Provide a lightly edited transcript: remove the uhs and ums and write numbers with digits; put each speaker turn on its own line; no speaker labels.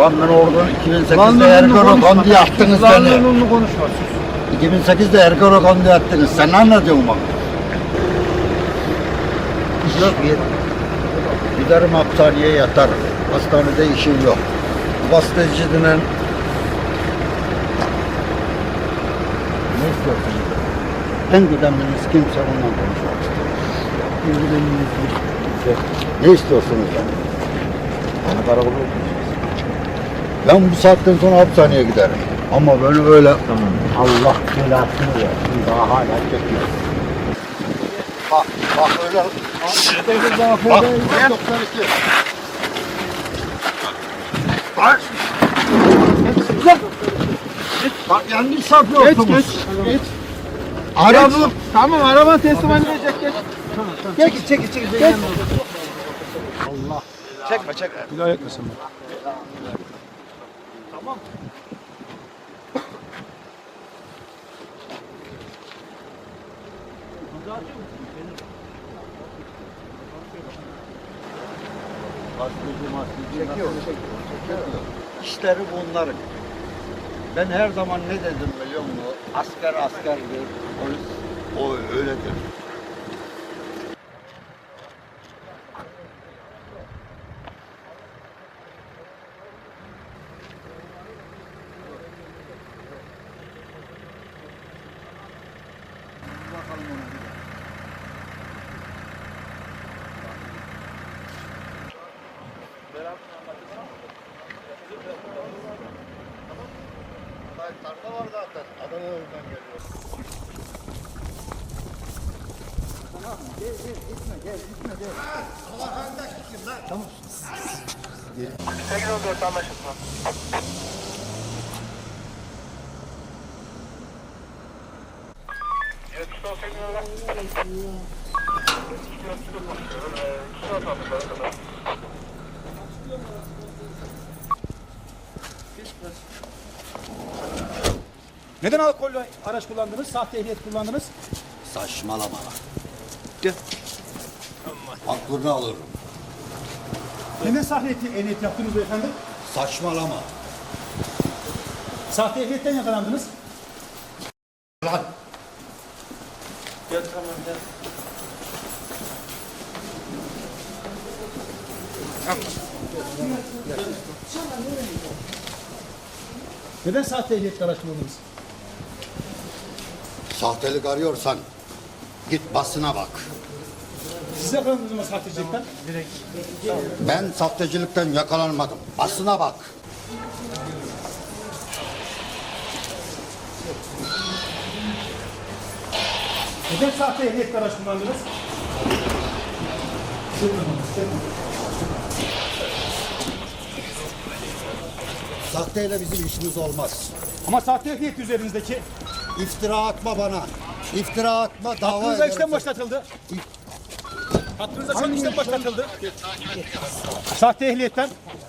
Lan ben oradan 2008'de
Kanununu
Ergenekon diye attınız beni.
Kanununu konuşma.
2008'de Ergenekon diye attınız. Sen ne anlatıyorsun bana? Yok. Giderim hapishaneye yatarım. Hastanede işim yok. Gazeteci denen... Ne istiyorsun? En güdeminiz kimse ondan konuşmak istiyor. Ne istiyorsunuz yani? Bana karakola ben bu saatten sonra hapishaneye giderim. Ama böyle öyle... Tamam. Allah belasını versin. Daha hala çekiyor. Bak öyle... Bak, 92. Bak yanlış yapıyorsunuz.
Geç.
Arabı...
Tamam araban teslim edilecek geç. Çekil. Geç.
Allah.
Çekme.
Bir daha yakmasın.
Tamam.
Çekiyor. İşleri bunların. Ben her zaman ne dedim biliyor musun? Asker askerdir, polis o öyledir. Tarla var zaten. Adana oradan geliyor. Tamam, gitme. Allah hangi kim lan? Tamam.
814 anlaşıldı.
Neden alkollü araç kullandınız? Sahte ehliyet kullandınız?
Saçmalama. Gel. Aklını alırım.
Neden sahte ehliyet yaptınız beyefendi?
Saçmalama.
Sahte ehliyetten yakalandınız.
Lan.
Gel tamam gel.
Neden sahte ehliyetle araç kullandınız?
Sahtelik arıyorsan git basına bak.
Siz yakalandınız mı sahtecilikten?
Ben sahtecilikten yakalanmadım. Basına bak.
Neden sahte ehliyetle araç kullandınız?
Sahteyle bizim işimiz olmaz.
Ama sahte ehliyet üzerinizdeki
İftira atma bana. İftira atma. Dava
hakkınızda
ederim.
işlem başlatıldı. Hakkınızda şu an işlem başlatıldı. Sahte ehliyetten.